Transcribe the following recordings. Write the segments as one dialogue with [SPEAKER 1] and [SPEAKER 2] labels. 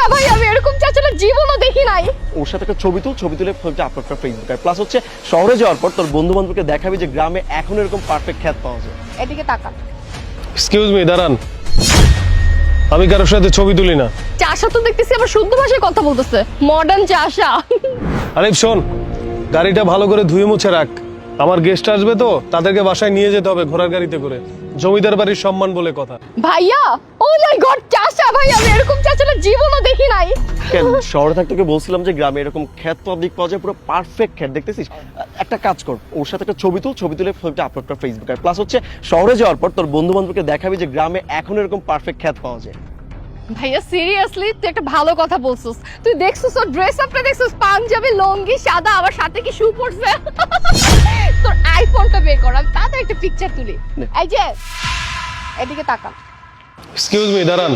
[SPEAKER 1] ভাই, আমি এরকম চাচাটা জীবনও দেখি নাই।
[SPEAKER 2] ওর সাথে একটা ছবি তুলে ছবিটা আপলোড কর ফেসবুকে। আর প্লাস হচ্ছে শহরে যাওয়ার পর তোর বন্ধু বান্ধবকে দেখাবি যে গ্রামে এখন এরকম পারফেক্ট খ্যাত পাওয়া যায়।
[SPEAKER 1] এদিকে তাকা।
[SPEAKER 3] এক্সকিউজ মি, দাঁড়ান। আমি কারোর সাথে ছবি তুলি না।
[SPEAKER 1] চাষা তো দেখতেছি আবার শুদ্ধ ভাষায় কথা বলতেছে, মডার্ন চাষা।
[SPEAKER 3] আরে শোন, গাড়িটা ভালো করে ধুয়ে মুছে রাখ। আমার গেস্ট আসবে তো, তাদেরকে বাসায় নিয়ে যেতে হবে ঘোড়ার গাড়িতে করে। জমিদার বাড়ির সম্মান বলে কথা।
[SPEAKER 1] ভাইয়া, ও মাই গড, চাষা ভাই, আমি এরকম চাচাটা জীবনও দেখি নাই।
[SPEAKER 2] কেন শহরে থাকতে তোকে বলছিলাম যে গ্রামে এরকম খ্যাত পাবলিক পাওয়া যায়, পুরো পারফেক্ট খ্যাত। দেখতেছিস, একটা কাজ কর, ওর সাথে একটা ছবি তুলে ছবিটা আপলোড কর ফেসবুকে। আর প্লাস হচ্ছে শহরে যাওয়ার পর তোর বন্ধু বান্ধবকে দেখাবি যে গ্রামে এখন এরকম পারফেক্ট খ্যাত পাওয়া যায়।
[SPEAKER 1] ভাইয়া সিরিয়াসলি তুই একটা ভালো কথা বলছিস। তুই দেখছিস ওর ড্রেস আপটা, দেখছিস পাঞ্জাবি লুঙ্গি সাদা, আবার সাথে কি শু পরছে। তোর আইফোনটা বের কর, আমি তাতে একটা পিকচার তুলি। এই যে এদিকে তাকা।
[SPEAKER 3] এক্সকিউজ মি, দাঁড়ান।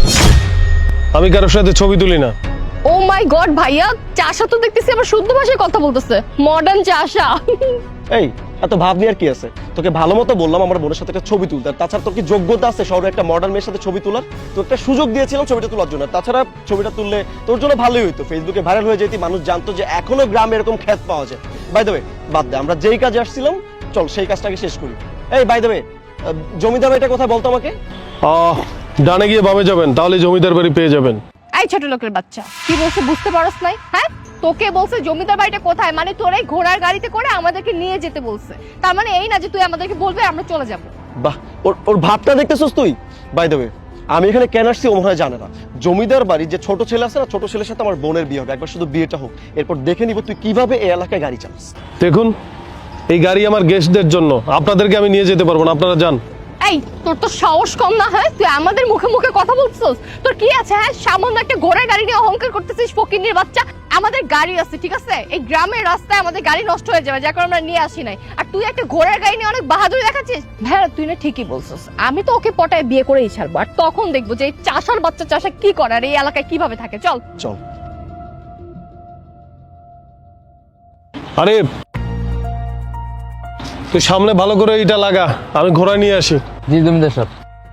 [SPEAKER 3] আমি কারোর সাথে ছবি তুলি না।
[SPEAKER 1] ও মাই গড ভাইয়া, চাষা তো দেখতেছি আবার শুদ্ধ ভাষায় কথা বলতেছে, মডার্ন চাষা।
[SPEAKER 2] এই এত ভাব নিয়ে আর কি আছে? তোকে ভালো মতো বললাম আমার বোনের সাথে একটা ছবি তুলতে। আর তাছাড়া তোর কি যোগ্যতা আছে শহরে একটা মডার্ন মেয়ের সাথে ছবি তোলার? তো একটা সুযোগ দিয়েছিলাম ছবিটা তোলার জন্য। তাছাড়া ছবিটা তুললে তোর জন্য ভালোই হইতো, ফেসবুকে ভাইরাল হয়ে যেতি, মানুষ জানতো যে এখনো গ্রামে এরকম খ্যাত পাওয়া যায়। বাই দ্য ওয়ে, বাদ দে, আমরা যেই কাজে আসছিলাম চল সেই কাজটাকে শেষ করি। এই বাই দ্য ওয়ে, জমিদার বাড়িটা কোথায় বলতো আমাকে?
[SPEAKER 3] ডানে গিয়ে বামে যাবেন, তাহলে জমিদার বাড়ি পেয়ে যাবেন।
[SPEAKER 1] এই ছোট লোকের বাচ্চা, কি বলছে বুঝতে পারছ নাই? হ্যাঁ, তোকে বলছে জমিদার বাড়িটা কোথায়, মানে তোর এই ঘোড়ার গাড়িতে করে আমাদেরকে নিয়ে যেতে বলছে। তার মানে এই না যে তুই আমাদেরকে বলবে আমরা চলে যাব।
[SPEAKER 2] বাহ, ওর ভাবটা দেখতেছস তুই? বাই দ্য ওয়ে, আমি এখানে কেন আসছি ও মনে হয় জানে না। জমিদার বাড়ির যে ছোট ছেলে আছে না, ছোট ছেলের সাথে আমার বোনের বিয়ে হবে। একবার শুধু বিয়েটা হোক, এরপর দেখে নিব তুই কিভাবে এই এলাকায় গাড়ি চালাস।
[SPEAKER 3] দেখুন, এই গাড়ি আমার গেস্টদের জন্য, আপনাদেরকে আমি নিয়ে যেতে পারবো না, আপনারা যান।
[SPEAKER 1] এই তোর তো সাহস কম না? হ্যাঁ, তুই আমাদের মুখে মুখে কথা বলছিস, তোর কি আছে? হ্যাঁ, সামান্য একটা ঘোড়ার গাড়ি নিয়ে অহংকার করতেছিস ফকিন্নির বাচ্চা। আমাদের গাড়ি আছে, ঠিক আছে? এই গ্রামের রাস্তায় আমাদের গাড়ি নষ্ট হয়ে যাবে, যার কারণে আমরা নিয়ে আসি নাই। আর তুই একটা ঘোড়ার গাড়ি নিয়ে অনেক বাহাদুরি দেখাচ্ছিস। ভাইয়া তুই না ঠিকই বলছিস, আমি তো ওকে পটায় বিয়ে করেই ছাড়বো। আর তখন দেখবো যে এই চাষার বাচ্চা চাষা কি করে আর এই এলাকায় কিভাবে থাকে। চল
[SPEAKER 2] চল।
[SPEAKER 3] আরে তুই সামনে ভালো করে এটা লাগা, আমি ঘোড়া নিয়ে আসি।
[SPEAKER 4] জি জমিদার সাহেব।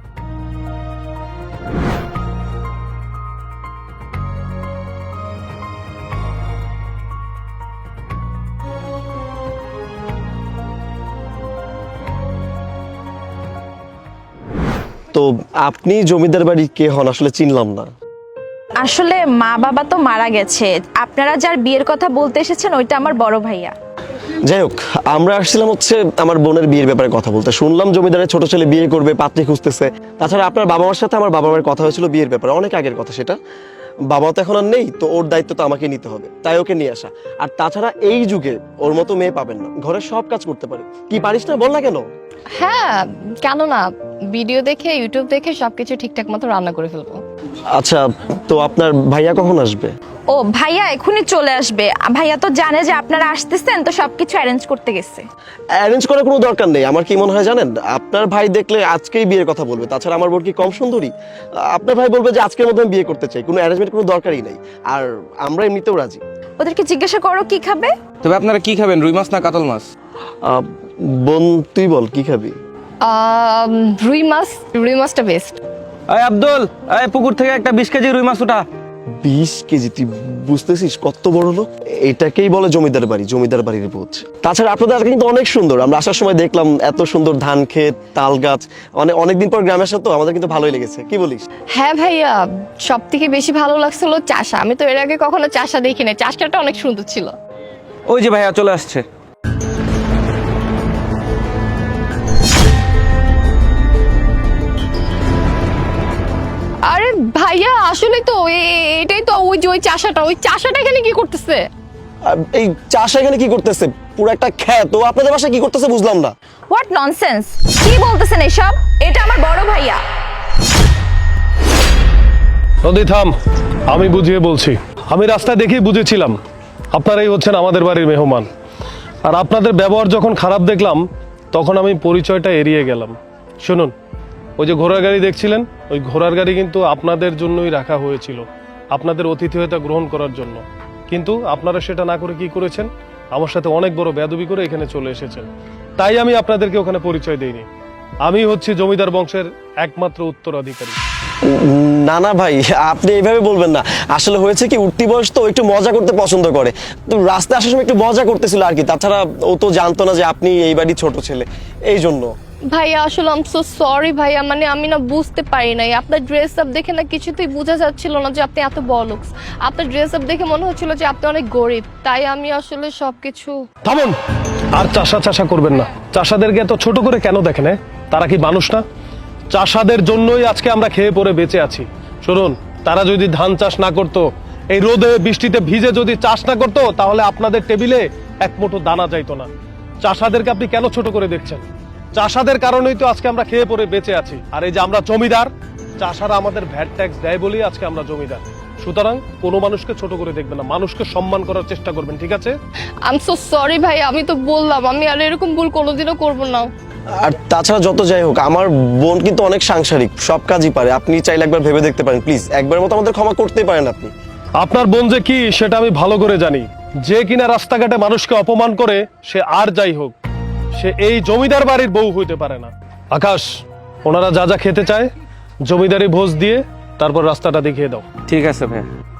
[SPEAKER 2] তো আপনি জমিদার বাড়ির কে হন আসলে চিনলাম না।
[SPEAKER 5] আসলে মা বাবা তো মারা গেছে, আপনারা যার বিয়ের কথা বলতে এসেছেন ওইটা আমার বড় ভাইয়া।
[SPEAKER 2] যাই হোক, আমরা আসছিলাম হচ্ছে আমার বোনের বিয়ের ব্যাপারে কথা বলতে। শুনলাম জমিদারের ছোট ছেলে বিয়ে করবে, পাত্রী খুঁজতেছে। তাছাড়া আপনার বাবা মার সাথে আমার বাবা মায়ের কথা হয়েছিল বিয়ের ব্যাপারে, অনেক আগের কথা সেটা। বাবা তো এখন আর নেই, তো ওর দায়িত্ব তো আমাকে নিতে হবে, তাই ওকে নিয়ে আসা। আর তাছাড়া এই যুগে ওর মতো মেয়ে পাবেন না, ঘরের সব কাজ করতে পারে। কি পারিস না বল না কেন?
[SPEAKER 1] হ্যাঁ, কেন না, ভিডিও দেখে ইউটিউব দেখে সবকিছু ঠিকঠাক মতো রান্না করে ফেলবো।
[SPEAKER 2] আচ্ছা, তো আপনার ভাইয়া কখন আসবে?
[SPEAKER 5] ও ভাইয়া এখনই চলে আসবে। ভাইয়া তো জানে যে আপনারা আসতেছেন, তো সবকিছু অ্যারেঞ্জ করতে গেছে।
[SPEAKER 2] অ্যারেঞ্জ করার কোনো দরকার নেই। আমার কি মনে হয় জানেন, আপনার ভাই দেখলে আজকেই বিয়ের কথা বলবে। তাছাড়া আমার বোন কি কম সুন্দরী? আপনার ভাই বলবে যে আজকের মধ্যে আমি বিয়ে করতে চাই, কোনো অ্যারেঞ্জমেন্ট কোনো দরকারই নেই। আর আমরা এমনিতেও রাজি।
[SPEAKER 5] ওদেরকে জিজ্ঞাসা করো কি খাবে।
[SPEAKER 4] তবে আপনারা কি খাবেন, রুই মাছ না কাতল মাছ?
[SPEAKER 2] বোন তুই বল কি খাবি?
[SPEAKER 1] রুই মাছটা বেস্ট।
[SPEAKER 4] এই আব্দুল, এই পুকুর থেকে একটা 20 কেজি রুই মাছ ওঠা।
[SPEAKER 2] 20 কেজি? তুই বুঝতেছিস কত বড় লোক? এটাকেই বলে জমিদার বাড়ি, জমিদার বাড়ির বোঝ। তাছাড়া আপনাদের এলাকা কিন্তু অনেক সুন্দর। আমরা আসার সময় দেখলাম এত সুন্দর ধান ক্ষেত, তাল গাছ। অনেকদিন পর গ্রামে আসা তো, আমাদের কিন্তু ভালোই লেগেছে। কি বলিস?
[SPEAKER 1] হ্যাঁ ভাইয়া, সব থেকে বেশি ভালো লাগছিল চাষা। আমি তো এর আগে কখনো চাষা দেখি না, চাষাটা অনেক সুন্দর ছিল।
[SPEAKER 4] ওই যে ভাইয়া চলে আসছে।
[SPEAKER 1] আরে ভাইয়া, আসলে তো এটাই তো ওই চাষাটা, ওই চাষাটা এখানে কি করতেছে?
[SPEAKER 2] এই চাষা এখানে কি করতেছে? পুরো একটা ক্ষেত। ও আপনাদের বাসায় কি করতেছে বুঝলাম না।
[SPEAKER 5] হোয়াট ননসেন্স, কি বলতেছেন এসব? এটা আমার বড় ভাইয়া।
[SPEAKER 3] নদী থাম, আমি বুঝিয়ে বলছি। আমি রাস্তা দেখেই বুঝেছিলাম আপনারাই হচ্ছেন আমাদের বাড়ির মেহমান। আর আপনাদের ব্যবহার যখন খারাপ দেখলাম, তখন আমি পরিচয়টা এড়িয়ে গেলাম। শুনুন, ওই যে ঘোড়ার গাড়ি দেখছিলেন, ওই ঘোড়ার গাড়ি কিন্তু আপনাদের জন্যই রাখা হয়েছিল, আপনাদের অতিথিয়তা গ্রহণ করার জন্য। কিন্তু আপনারা সেটা না করে কি করেছেন? আমার সাথে অনেক বড় বেয়াদবি করে এখানে চলে এসেছেন। তাই আমি আপনাদেরকে ওখানে পরিচয় দিইনি। আমি হচ্ছি জমিদার বংশের একমাত্র উত্তরাধিকারী।
[SPEAKER 2] না না ভাই, আপনি এইভাবে বলবেন না। আসলে হয়েছে কি, উঠতি বয়স তো একটু মজা করতে পছন্দ করে, তো রাস্তায় আসার সময় একটু মজা করতেছিল আর কি। তাছাড়া ও তো জানতো না যে আপনি এই বাড়ির ছোট ছেলে, এই জন্য।
[SPEAKER 1] ভাইয়া আসলে আম সো সরি ভাইয়া, মানে আমি না বুঝতে পারি নাই। আপনার ড্রেস আপ দেখে না কিছুতেই বোঝা যাচ্ছিল না যে আপনি এত বড়লোকস। আপনার ড্রেস আপ দেখে মনে হচ্ছিল যে আপনি অনেক গরিব, তাই আমি আসলে সবকিছু।
[SPEAKER 3] থামুন, আর চাষা করবেন না। চাষাদেরকে এত ছোট করে কেন দেখেন? তারা কি মানুষ না? চাষাদের জন্যই আজকে আমরা খেয়ে পরে বেঁচে আছি। শুনুন, তারা যদি ধান চাষ না করতো, এই রোদে বৃষ্টিতে ভিজে যদি চাষ না করতো, তাহলে আপনাদের টেবিলে এক মুঠো দানা যাইতো না। চাষাদেরকে আপনি কেন ছোট করে দেখছেন? চাষাদের কারণেই তো আজকে আমরা খেয়ে পরে বেঁচে আছি। আর এই যে আমরা জমিদার, চাষারা আমাদের ভ্যাট ট্যাক্স দেয় বলেই আজকে আমরা জমিদার। সুতরাং কোনো মানুষকে ছোট করে দেখবেন না, মানুষকে সম্মান করার চেষ্টা করবেন, ঠিক আছে?
[SPEAKER 1] আম সো সরি ভাই, আমি তো বললাম আমি আর এরকম ভুল কোনোদিনও করবো না।
[SPEAKER 2] আর তাছাড়া যত যাই হোক, আমার বোন কিন্তু অনেক সাংসারিক, সব কাজই পারে। আপনি চাইলে একবার ভেবে দেখতে পারেন, প্লিজ একবার মতো আমাদের ক্ষমা করতেই পারেন আপনি।
[SPEAKER 3] আপনার বোন যে কি সেটা আমি ভালো করে জানি। যে কিনা রাস্তাঘাটে মানুষকে অপমান করে, সে আর যাই হোক, সে এই জমিদার বাড়ির বউ হইতে পারে না। আকাশ, ওনারা যা যা খেতে চায় জমিদারি ভোজ দিয়ে তারপর রাস্তাটা দেখিয়ে দাও।
[SPEAKER 4] ঠিক আছে ভাইয়া।